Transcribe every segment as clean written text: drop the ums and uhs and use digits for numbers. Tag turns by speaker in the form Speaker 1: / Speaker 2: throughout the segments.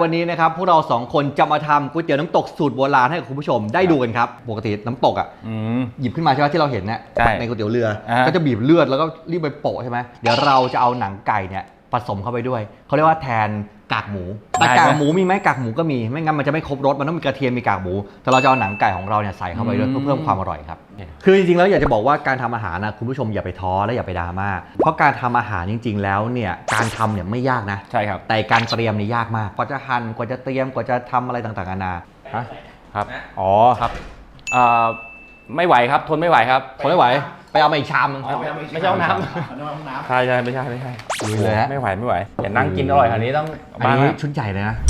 Speaker 1: วันนี้นะครับพวกเรา2คนจะมาทำก๋วยเตี๋ยวน้ำตกสูตรโบราณให้กับคุณผู้ชมได้ดูกันครับปกติน้ำตกอ่ะหยิบขึ้นมาใช่ไหมที่เราเห็นเนี่ยในก๋วยเตี๋ยวเรือก็จะบีบเลือดแล้วก็รีบไปโปะใช่ไหมเดี๋ยวเราจะเอาหนังไก่เนี่ยผสมเข้าไปด้วยเขาเรียกว่าแทนกากหมูแต่กากหมูมีไหมกากหมูก็มีไม่งั้นมันจะไม่ครบรสมันต้องมีกระเทียมมีกากหมูแต่เราจะเอาหนังไก่ของเราเนี่ยใส่เข้าไปด้วยเพื่อเพิ่มความอร่อยครับคือจริงๆแล้วอยากจะบอกว่าการทำอาหารนะคุณผู้ชมอย่าไปท้อและอย่าไปดราม่าเพราะการทำอาหารจริงๆแล้วเนี่ยการทำเนี่ยไม่ยากนะ
Speaker 2: ใช่ครับ
Speaker 1: แต่การเตรียมนี่ยากมากกว่าจะหั่นกว่าจะเตรียมกว่าจะทำอะไรต่างๆนานา
Speaker 2: ครับอ๋อครับไม่ไหวครับทนไม่ไหวครับ
Speaker 1: ทนไม่ไหวไปเอามาอีกชามนึง
Speaker 2: ไม่ใช่ห้องน้ำใช่ไม่ใช่
Speaker 1: ลุยเลยฮะ
Speaker 2: ไม่ไหวอย่านั่งกินอร่อยขนาดนี้ต้อง
Speaker 1: อันนี้ชุดใหญ่เลยนะ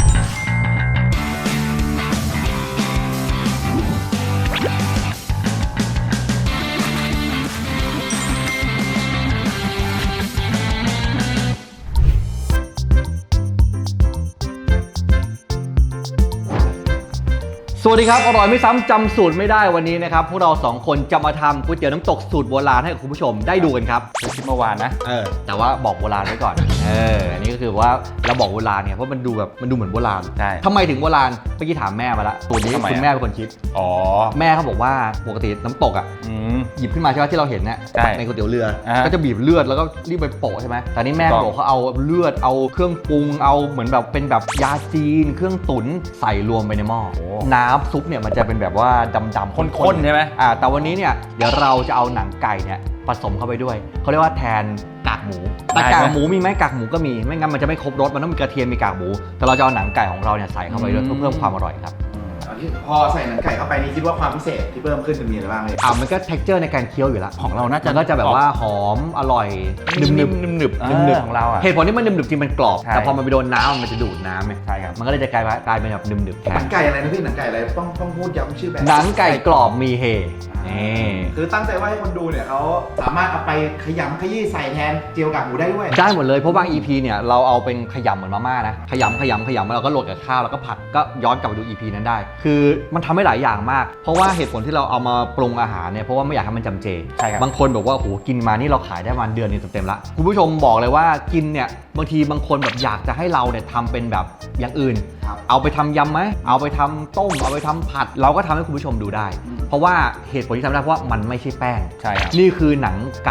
Speaker 1: สวัสดีครับอร่อยไม่ซ้ำจำสูตรไม่ได้วันนี้นะครับพวกเรา2คนจะมาทำก๋วยเตี๋ยวน้ำตกสูตรโบราณให้กับคุณผู้ชมได้ดูกันครับ
Speaker 2: คือคลิปเมื่อวานนะ
Speaker 1: แต่ว่าบอกโบราณไว้ก่อนอันนี้ก็คือว่าเราบอกโบราณเนี่ยเพราะมันดูเหมือนโบราณ
Speaker 2: ใช่
Speaker 1: ทำไมถึงโบราณเมื่อกี้ถามแม่มาละตัวนี้คุณแม่เป็นคนคิดแม่เขาบอกว่าปกติน้ำตกอ่ะหยิบขึ้นมาใช่ไหมที่เราเห็นเนี่ยในก๋วยเตี๋ยวเรือก็จะบีบเลือดแล้วก็รีบไปโปะใช่ไหมแต่นี่แม่บอกเขาเอาเลือดเอาเครื่องปรุงเอาเหมือนแบบเป็นแบบยาจีนเครื่องตุ๋นใส่รวมไปในหม้อน้ำซุปเนี่ยมันจะเป็นแบบว่าดำๆ
Speaker 2: ข้นๆใช่ไหม
Speaker 1: แต่วันนี้เนี่ยเดี๋ยวเราจะเอาหนังไก่เนี่ยผสมเข้าไปด้วยเขาเรียกว่าแทนกากหมูแต่กากหมูมีไหมกากหมูก็มีไม่งั้นมันจะไม่ครบรสมันต้องมีกระเทียมมีกากหมูแต่เราจะเอาหนังไก่ของเราเนี่ยใส่เข้าไปด้วยเพื่อเพิ่มความอร่อยครับ
Speaker 3: พอใส่หนังไก่เข้าไปนี่คิดว่าความพิเศษที่เพิ่มขึ้นจะมีอะไรบ้างเลย
Speaker 1: มันก็ texture ในการเคี้ยวอยู่แล้ว
Speaker 2: ของเราน่าจะ
Speaker 1: ก็จะแบบว่าหอมอร่อย
Speaker 2: หนึบของเรา
Speaker 1: เหตุผลที่มันหนึบจริงมันกรอบแต่พอมันไปโดนน้ำมันจะดูดน้ำไง
Speaker 2: ใช่ครับ
Speaker 1: มันก็เลยจะกลายเป็นแบบหนึบแทน
Speaker 3: หนังไก่อะไรนะพี่หนังไก่อะไรต้องพูดย้ำชื่อแบบ
Speaker 1: หนังไก่กรอบมีเฮ
Speaker 3: คือตั้งใจว่าให้คนดูเนี่ยเขาสามารถเอาไปขยำขยี้ใส่แทนเจียวกากหมูได้ด้วย
Speaker 1: ได้หมดเลยเพราะบาง EP เนี่ยเราเอาเป็นขยำเหมือนมาม่านะขยำแล้วเราก็โรยกับข้าวแล้วก็ผัดก็ย้อนกลับไปดู EP นั้นได้คือมันทำให้หลายอย่างมากเพราะว่าเหตุผลที่เราเอามาปรุงอาหารเนี่ยเพราะว่าไม่อยากให้มันจำเจ
Speaker 2: ใช่ครับ
Speaker 1: บางคนบอกว่าโหกินมานี่เราขายได้มาเดือนนึงเต็มๆละคุณผู้ชมบอกเลยว่ากินเนี่ยบางทีบางคนแบบอยากจะให้เราเนี่ยทำเป็นแบบอย่างอื่นเอาไปทำยำไหมเอาไปทำต้มเอาไปทำผัดเราก็ทำให้คุณผู้ชมดูได้เพราะว่าเหตุผลที่ทำได้เพราะว่ามันไม่ใช่แป้ง
Speaker 2: ใช่ครับ
Speaker 1: นี่คือหนังไก่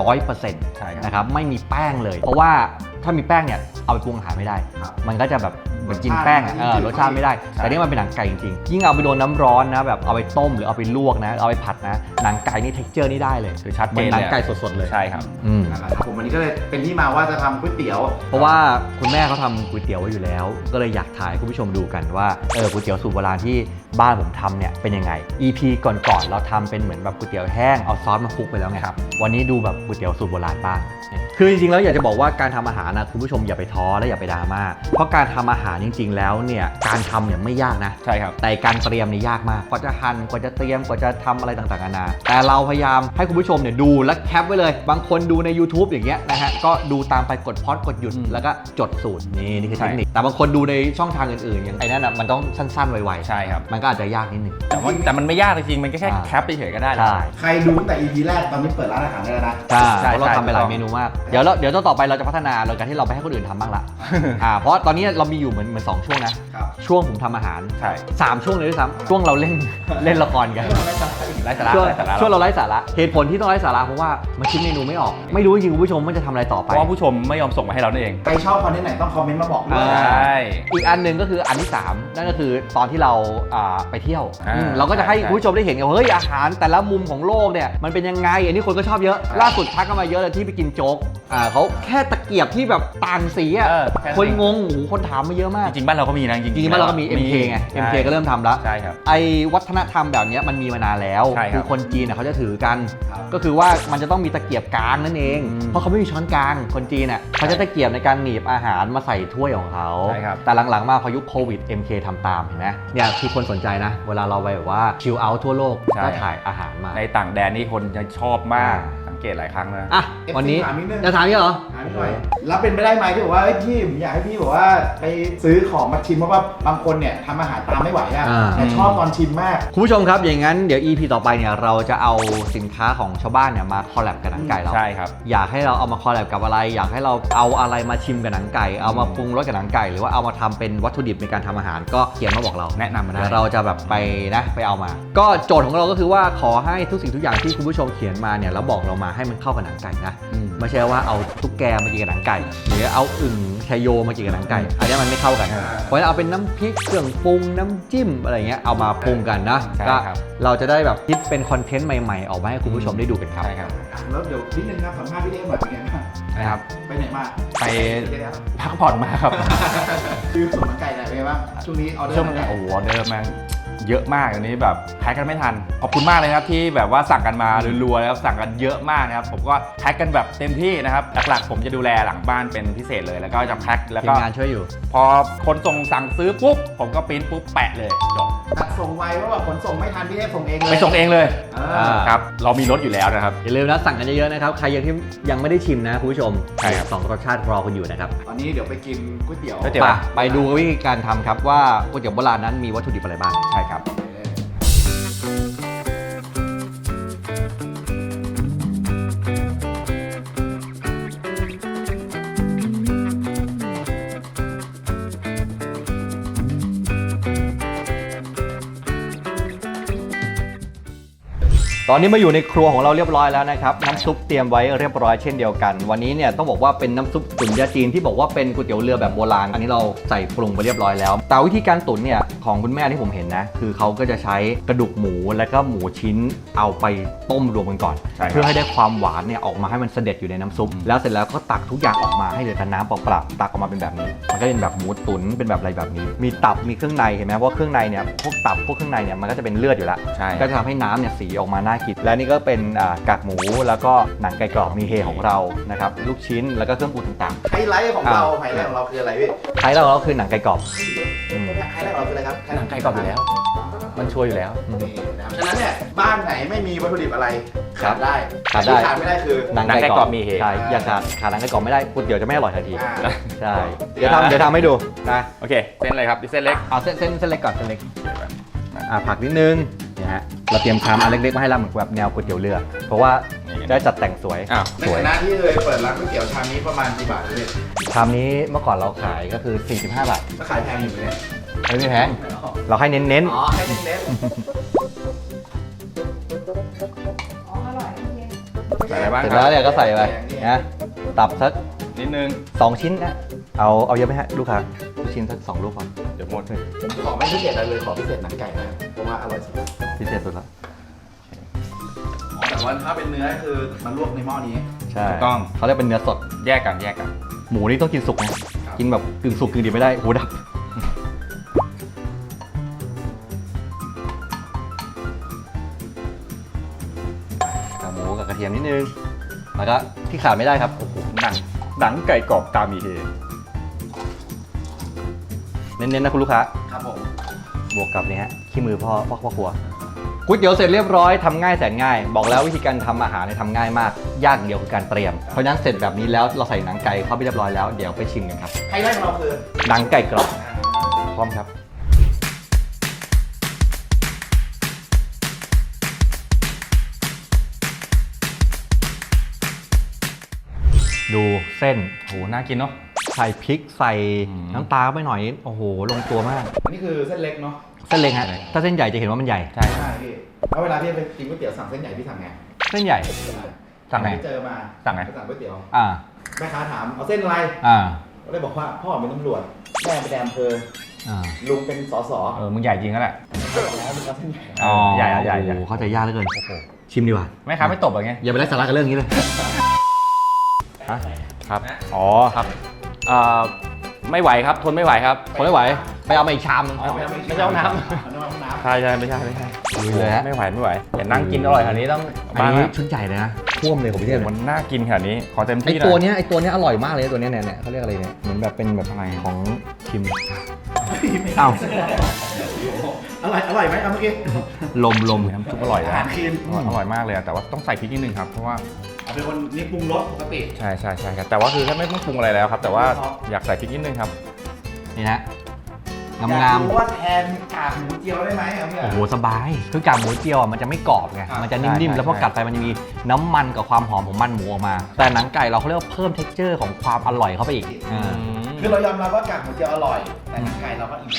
Speaker 1: 100%
Speaker 2: ใช่ครับ
Speaker 1: นะครับไม่มีแป้งเลยเพราะว่าถ้ามีแป้งเนี่ยเอาไปปรุงอาหารไม่ได้มันก็จะแบบเหมือนกินแป้งรสชาติไม่ได้แต่นี่มันเป็นหนังไก่จริงๆยิ่งเอาไปโดนน้ำร้อนนะแบบเอาไปต้มหรือเอาไปลวกนะเอาไปผัดนะหนังไก่นี่ texture นี่ได้เลย
Speaker 2: คือชัดเจน
Speaker 1: หนังไก่สดๆเลย
Speaker 2: ใช่ครับ
Speaker 3: ผมวันนี้ก็เลยเป็นที่มาว่าจะทำก๋วยเตี๋ยว
Speaker 1: เพราะว่าคุณแม่เขาทำก๋วยเตี๋ยวไว้อยู่แล้วก็เลยอยากถ่ายคุณผู้ชมดูกันว่าก๋วยเตี๋ยวสูตรโบราณที่บ้านผมทำเนี่ยเป็นยังไง EP ก่อนๆเราทำเป็นเหมือนแบบก๋วยเตี๋ยวแห้งเอาซอสมาคลุกไปแล้วไงครับวันนี้ดูแบบก๋วยเตี๋ยวสูตรโบราณบ้างคือจริงๆแล้วอยากจะบอกว่าการทำอาหารนะคุณผู้ชมอย่าไปท้อและอย่าไปดราม่าเพราะการทำอาหารจริงๆแล้วเนี่ยการทำเนี่ยไม่ยากนะ
Speaker 2: ใช่ครับ
Speaker 1: แต่การเตรียมนี่ยากมากกว่าจะหั่นกว่าจะเตรียมกว่าจะทำอะไรต่างๆนานาแต่เราพยายามให้คุณผู้ชมเนี่ยดูและแคปไว้เลยบางคนดูใน YouTube อย่างเงี้ยนะฮะก็ดูตามไปกดพอดกดหยุดแล้วก็จดสูตรนี่คือเทคนิคแต่บางคนดูในช่องทางอื่นๆอย่างไอ้นั่นมันต้องสั้นๆไวๆ
Speaker 2: ใช่ครับ
Speaker 1: มันก็อาจจะยากนิดนึง
Speaker 2: แต่มันไม่ยากจริงๆมันแค่แคปไปเฉยก็ได้
Speaker 3: ใครดูแต่ EP แรกตอนนี้เปิดร้านอาหารได้แล้วนะ
Speaker 1: ใช่เราทำไปหลายเมนูมากเดี๋ยวต่อไปเราจะพัฒนาโดยการที่เราไปให้คนอื่นทำบ้างละเพราะตอนนี้เรามีอยู่เหมือน2ช่วงนะช่วงผมทำอาหาร3ช่วงเลยด้วยซ้ำช่วงเราเล่นละครกัน
Speaker 2: ไร้สาระ
Speaker 1: ช่วงเราไร้สาระเหตุผลที่ต้องไร้สาระเพราะว่ามันคิดเมนูไม่ออกไม่รู้จริงคุณผู้ชมมันจะทำอะไรต่อไป
Speaker 2: เพราะว่าผู้ชมไม่ยอมส่งมาให้เราเอง
Speaker 3: ใครชอบคอนเทนต์ไหนต้องคอมเมนต์มาบอกด้วย
Speaker 1: อีกอันหนึ่งก็คืออันที่3นั่นก็คือตอนที่เราไปเที่ยวเราก็จะให้คุณผู้ชมได้เห็นว่าเฮ้ยอาหารแต่ละมุมของโลกเนี่ยมันเป็นยังไงอันนี้คนก็ชอบเยอะล่าสุดทักกันมาเยอะเลยที่ไปกินโจ๊กเขาแค่ตะเกียบที่แบบต่างสีคนงงโอ้โหคนถามมาเยอะมาก
Speaker 2: จริงบ้านเราก็มีนะจริง
Speaker 1: บ้านเราก็มี MK ไง MK ก็เริ่มทำแล้ว
Speaker 2: ใช่ครับ
Speaker 1: ไอ้วัฒนธรรมแบบนี้มันมีมานานแล้วคือคนจีนเขาจะถือกันก็คือว่ามันจะต้องมีตะเกียบกลางนั่นเองเพราะเขาไม่มีช้อนกลางคนจีนเขาจะตะเกียบในการหนีบอาหารมาใส่ถ้วยของเขาแต่หลังๆมาพอยุคโควิด MK ทำตามเห็นไหมเนี่ยคือคนสนใจนะเวลาเราไปแบบว่าชิลเอาท์ทั่วโลกก็ถ่ายอาหารมา
Speaker 2: ในต่างแดนนี่คนจะชอบมากสังเกตหลายครั้งนะ
Speaker 1: วันนี้จะถามนี่เหรอ
Speaker 3: แล้วเป็นไปได้ไหมที่บอกว่าพี่ผมอยากให้พี่บอกว่าไปซื้อของมาชิมเพราะว่าบางคนเนี่ยทำอาหารตามไม่ไหวอ่ะแต่ชอบตอนชิมมาก
Speaker 1: คุณผู้ชมครับอย่างนั้นเดี๋ยว EP ต่อไปเนี่ยเราจะเอาสินค้าของชาวบ้านเนี่ยมาคอลแลบกับหนังไก่เรา
Speaker 2: ใช่ครับ
Speaker 1: อยากให้เราเอามาคอลแลบกับอะไรอยากให้เราเอาอะไรมาชิมกับหนังไก่เอามาปรุงรสกับหนังไก่หรือว่าเอามาทำเป็นวัตถุดิบในการทำอาหารก็เขียนมาบอกเรา
Speaker 2: แนะนำมาได้
Speaker 1: เดี๋ยวเราจะแบบไปเอามาก็โจทย์ของเราก็คือว่าขอให้ทุกสิ่งทุกอย่างที่คุณผู้ชมเขียนมาเนี่ยแล้วบอกเรามาให้มันเข้ากับหนังไก่นะไม่ใช่ว่าเอาตุ๊กแกมากินกับหนังไก่หรือเอาอึ่งชโยมากินกับหนังไก่อันนี้มันไม่เข้ากันเพราะฉะนั้นเอาเป็นน้ำพริกเครื่องปรุงน้ำจิ้มอะไรเงี้ยเอามาปรุงกันนะก็เราจะได้แบบคิดเป็นคอนเทนต์ใหม่ๆออกมาให้คุณผู้ชมได้ดูกันครับ
Speaker 2: ใช่ครับ
Speaker 3: แล้วเดี๋ยวนิดนึงครับสัมภาษณ์พี่เอ๊หน่อยเป็นไงบ้าง
Speaker 2: นะครับ
Speaker 3: ไปไหนมา
Speaker 2: ไปพักผ่อนมาครับ
Speaker 3: คือส่วนหนังไก่ไหนเป็นไงบ้างช่วงนี้ออเดอร์
Speaker 2: ช่วงนี้โอ้โหออเดอร์มันเยอะมากอันนี้แบบแพ็คกันไม่ทันขอบคุณมากเลยครับที่แบบว่าสั่งกันมารัวๆแล้วสั่งกันเยอะมากนะครับผมก็แพ็คกันแบบเต็มที่นะครับหลักๆผมจะดูแลหลังบ้านเป็นพิเศษเลยแล้วก็จะแพ็คแล้วก็
Speaker 1: งานช่วยอยู่
Speaker 2: พอคนส่งสั่งซื้อปุ๊บผมก็ปริ้นปุ๊บแปะเลยจบ
Speaker 3: ตัดส่งไวเพราะว่าขนส่งไม่ทันพี่เอ๊ส่งเองเลย
Speaker 2: ไปส่งเองเลยครับเรามีรถอยู่แล้วนะครับ
Speaker 1: อย่าลืมนะสั่งกันเยอะๆนะครับใครยังที่ยังไม่ได้ชิมนะคุณผู้ชม
Speaker 2: ใช่ครับ
Speaker 1: 2รสชาติรอคุณอยู่นะครับ
Speaker 3: ตอนนี้เดี๋ยวไปกินก๋วยเตี๋ยว
Speaker 1: ไปดูวิธีการทำครับว่าก๋วยเตี๋ยวโบราณนั้นมีวัตถุดิบอะไรบ้าง
Speaker 2: ใช่ครับ
Speaker 1: ตอนนี้มาอยู่ในครัวของเราเรียบร้อยแล้วนะครับน้ำซุปเตรียมไว้เรียบร้อยเช่นเดียวกันวันนี้เนี่ยต้องบอกว่าเป็นน้ำซุปตุ๋นยาจีนที่บอกว่าเป็นก๋วยเตี๋ยวเรือแบบโบราณอันนี้เราใส่ปรุงไปเรียบร้อยแล้วแต่วิธีการตุ๋นเนี่ยของคุณแม่ที่ผมเห็นนะคือเขาก็จะใช้กระดูกหมูแล้วก็หมูชิ้นเอาไปต้มรวมกันก่อนเพื่อให้ได้ความหวานเนี่ยออกมาให้มันเสด็จอยู่ในน้ำซุปแล้วเสร็จแล้วก็ตักทุกอย่างออกมาให้เหลือแต่น้ำเปล่าๆตักออกมาเป็นแบบนี้มันก็เป็นแบบหมูตุ๋นเป็นแบบอะไรแบบนี้มีตับมีเครื่องในเห็นไหมว่าเครื่องในเนี่ยพวกตับพวกเครื่องในเนี่ยมันก็จะเป็นเลือดอยู่แล้วก็จะทำให้น้ำเนี่ยสีออกมาน่ากินและนี่ก็เป็นกากหมูแล้วก็หนังไก่กรอบมีเฮของเรานะครับลูกชิ้นแล้วก็เครื่องปรุงต่าง
Speaker 3: ๆไฮไลท์ของเราคืออะไรพี่
Speaker 1: ไฮไลท์ของเราคือหนังไก่กรอบ
Speaker 3: ไฮไลท์ของเราคืออะไรครับ
Speaker 2: หนังไก่กรอบอยู่แล้วมันช่วยอยู่แล้ว
Speaker 3: ฉะนั้นเนี่ยบ้านไหนไม่มีวัตถุดิบอะไรขาดได้ขาดไม่ได้คือ
Speaker 2: หนังไก่กรอบมีเฮ
Speaker 1: ใช่อย่าขาดหนังไก่กรอบไม่ได้ก๋วยเตี๋ยวจะไม่อร่อยทันทีใช่เดี๋ยวทำให้ดูนะ
Speaker 2: โอเคเส้นอะไรครับเส้นเล็ก
Speaker 1: เอาเส้นเล็กก่อนเส้นเล็กผักนิดนึงนะฮะเราเตรียมชามอันเล็กๆมาให้เราเหมือนแบบแนวก๋วยเตี๋ยวเรือเพราะว่าได้จัดแต่งสวย
Speaker 3: ในฐานะที่เคยเปิดร้านก๋วยเตี๋ยวชามนี้ประมาณกี่บาทเลย
Speaker 1: ชามนี้เมื่อก่อนเราขายก็คือ45 บาท
Speaker 3: ก็ขายแพงอยู่เลย
Speaker 1: ไม่แพงเราให้เน้น
Speaker 3: อ๋อให้เน้น
Speaker 2: ใส่อะไรบ้าง
Speaker 1: เสร็จแล้วเนี่ยก็ใส่ไปนะตับสัก
Speaker 2: นิดนึง
Speaker 1: 2ชิ้นนะเอาเยอะไหมฮะลูกค้าลูกชิ้นสัก2 ลูกพอ
Speaker 2: เดี๋ยวหมดเลย
Speaker 3: ผมขอไม่พิเศษอะไรเลยขอพิเศษหนังไก่นะเพราะว่าอร่อยสุด
Speaker 1: พิเศษสุดละ
Speaker 3: แต่ว่าถ้าเป็นเนื้อคือมันลวกในหม้อนี้
Speaker 1: ใช่ต้องเขาเรียกเป็นเนื้อสด
Speaker 2: แยกกัน
Speaker 1: หมูนี่ต้องกินสุกนะกินแบบกึ่งสุกกึ่งดิบไม่ได้หูดับหมูกับกระเทียมนิดนึงแล้วก็ที่ขาดไม่ได้ครับโอ้โห
Speaker 2: หนังไก่กรอบตามีเฮ
Speaker 1: เน้นๆนะคุณลูกค้า
Speaker 3: ครับผม
Speaker 1: บวกกับนี่ฮะขี้มือพ่อครัวก๋วยเตี๋ยวเสร็จเรียบร้อยทำง่ายแสนง่ายบอกแล้ววิธีการทำอาหารเนี่ยทำง่ายมากยากเดียวคือการเตรียมเพราะฉะนั้นเสร็จแบบนี้แล้วเราใส่หนังไก่เข้าไปเรียบร้อยแล้วเดี๋ยวไปชิมกันครับ
Speaker 3: ไฮไลท์ของเราคือ
Speaker 1: หนังไก่กรอบพร้อมครับดูเส้น
Speaker 2: โหน่ากินเนาะ
Speaker 1: ใส่พริกใส่น้ำตาไปหน่อยโอ้โหลงตัวมาก
Speaker 3: อันนี้คือเส้นเล็กเนาะ
Speaker 1: เส้นเล็กฮะถ้าเส้นใหญ่จะเห็นว่ามันใหญ่
Speaker 3: ใช่พี่แล้วเวลาพี่ไปกินก๋วยเตี๋ยวสั่งเส้นใหญ่พี่สั่งไง
Speaker 1: เส้นใหญ่
Speaker 3: สั่งไงเจอมา
Speaker 2: สั่งไง
Speaker 3: สั่งก๋วยเตี๋ยว
Speaker 1: แ
Speaker 3: ม่ค้าถามเอาเส้นอะไรก็เลยบอกว่าพ่อเป็นตำรวจแม่เป็นแดมเพอลุงเป็นสส
Speaker 2: มึงใหญ่จริงก็แหละ
Speaker 3: แล้วมึงเอาเส้นใหญ่
Speaker 2: ใหญ่
Speaker 1: เข้าใจยากเหลือเกินชิมดีกว่า
Speaker 2: แม่ค้าไม่ตบอะไรเงี้ย
Speaker 1: อย่าไปไล่สาระกับเรื่องนี้เลย
Speaker 2: ครับอ๋อครับไม่ไหวครับทนไม่ไหวครับ
Speaker 1: ทนไม่ไหวไปเอามาอีกชาม
Speaker 2: ไม่ใช่น้ำใช่ไม่ใช่
Speaker 1: เลยฮะ
Speaker 2: ไม่ไหวอย่านั่งกินอร่อยขนาดนี้ต้อง
Speaker 1: อันนี้ชุดใหญ่เลยนะท่วมเลยผมพี่เทพ
Speaker 2: มันน่ากินขนาดนี้ขอเต็มที่
Speaker 1: ไอตัวเนี้ยอร่อยมากเลยตัวเนี้ยเนี่ยเขาเรียกอะไรเนี่ยเหมือนแบบเป็นแบบอะไรของชิมอ้าว
Speaker 3: อร่อยไหมเมื่อกี้
Speaker 1: ลม
Speaker 2: น้ำซุปอร่อยนะอร่อยมากเลยแต่ว่าต้องใส่พริกนิดนึงครับเพราะว่า
Speaker 3: เป็นคนนี่ปรุงรสปกติ
Speaker 2: ใช่ครับแต่ว่าคือถ้าไม่ต้องปรุงอะไรแล้วครับ แต่ว่าอยากใส่พริกนิดนึงครับ
Speaker 1: นี่นะ
Speaker 3: อยาก
Speaker 1: งาม
Speaker 3: รู้ว่าแทนกากหมูเจียวได้ไหมเอาพี่
Speaker 1: ๆโอ้โหสบายคือกากหมูเจียวมันจะไม่กรอบไงมันจะนิ่มๆแล้วพอกัดไปมันจะมีน้ำมันกับความหอมของมันหมูออกมา แต่หนังไก่เราเขาเรียกว่าเพิ่ม texture ของความอร่อยเข้าไปอีก
Speaker 3: คือเรายอมรับว่ากากหมูเจียวอร่อย แต่หนังไก่เราก็อีก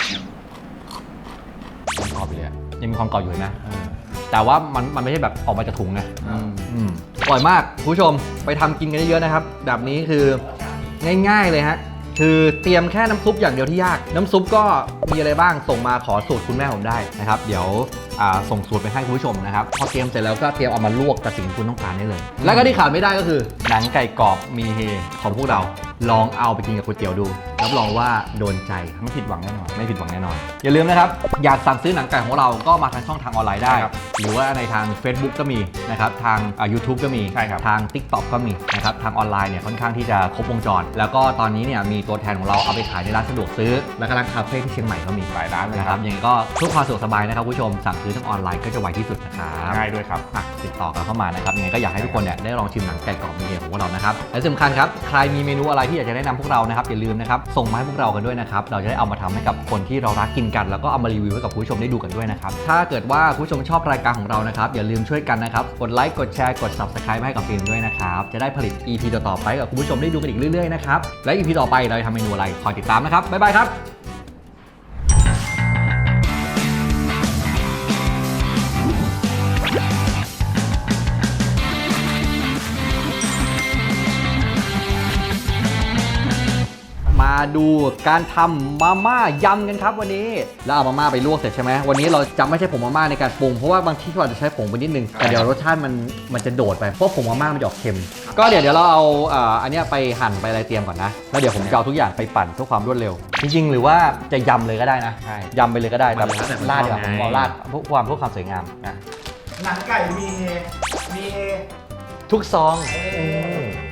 Speaker 2: กรอบเลย
Speaker 1: ยังมีความกรอบอยู่นะแต่ว่ามันไม่ใช่แบบออกมาจากถุงไงอร่อยมากคุณผู้ชมไปทำกินกันเยอะๆนะครับแบบนี้คือง่ายๆเลยฮะคือเตรียมแค่น้ำซุปอย่างเดียวที่ยากน้ำซุปก็มีอะไรบ้างส่งมาขอสูตรคุณแม่ผมได้นะครับเดี๋ยวส่งสูตรไปให้คุณผู้ชมนะครับพอเตรียมเสร็จแล้วก็เตรียมเอามาลวกกับสิ่งที่คุณต้องการได้เลย แล้วก็ที่ขาดไม่ได้ก็คือหนังไก่กรอบมีเฮของพวกเราลองเอาไปกินกับก๋วยเตี๋ยวดูรับรองว่าโดนใจไม่ผิดหวังแน่นอนอย่าลืมนะครับอยากสั่งซื้อหนังไก่ของเราก็มาทางช่องทางออนไลน์ได้หรือว่าในทาง Facebook ก็มีนะครับทางYouTube ก็มีทาง TikTok ก็มีนะครับทางออนไลน์เนี่ยค่อนข้างที่จะครบวงจรแล้วก็ตอนนี้เนี่ยมีตัวแทนของเราเอาไปขายในร้านสะดวกซื้อและก็ร้านคาเฟ่ที่เชียงใหม่ก็มี
Speaker 2: หลายร้านเลย
Speaker 1: นะครับยังไงก็เพื่อความสะดวกสบายนะครับคุณผู้ชมสั่งซื้อทางออนไลน์ก็จะไวที่สุดนะครับ
Speaker 2: ง่ายด้วยครับ
Speaker 1: ติดต่อกันเข้ามานะครับยังไงก็อยากให้ทุกคนเนี่ยได้ลองชิมหนังไก่กรอบมีเดียของพวกเรานะครับและสำคัญครับใครมีเมนูอะไรที่อยากจะแนะนำพวกเรานะครับอย่าลืมนะครับส่งมาให้พวกเรากันด้วยนะครับเราจะได้เอามาทำให้กับคนที่เรารักกินกันแล้วก็เอามารีวิวให้กับผู้ชมได้ดูกันด้วยนะครับถ้าเกิดว่าผู้ชมชอบรายการของเรานะครับอย่าลืมช่วยกันนะครับกดไลค์กดแชร์กด Subscribe ให้กับฟิล์มด้วยนะครับจะได้ผลิต EP ต่อๆไปกับคุณผู้ชมได้ดูกันอีกเรื่อยๆนะครับและ EP ต่อไปเราจะทำเมนูอะไรคอยติดตามนะครับบ๊ายบายครับมาดูการทำมาม่ายำกันครับวันนี้แล้วเอามาม่าไปลวกเสร็จใช่ไหมวันนี้เราจะไม่ใช้ผงมาม่าในการปรุงเพราะว่าบางที่เราจะใช้ผงไปนิดนึงแต่เดี๋ยวรสชาติมันจะโดดไปเพราะผงมาม่ามันจะออกเค็มก็เดี๋ยวเราเอาอันนี้ไปหั่นไปอะไรเตรียมก่อนนะแล้วเดี๋ยวผมจะเอาทุกอย่างไปปั่นเพื่อความรวดเร็วจริงๆหรือว่าจะยำเลยก็ได้นะยำไปเลยก็ได้แต่ราดเดี๋ยวผมเอาราดเพื่อความสวยงามนะ
Speaker 3: หนังไก่มี
Speaker 1: ทุกซอง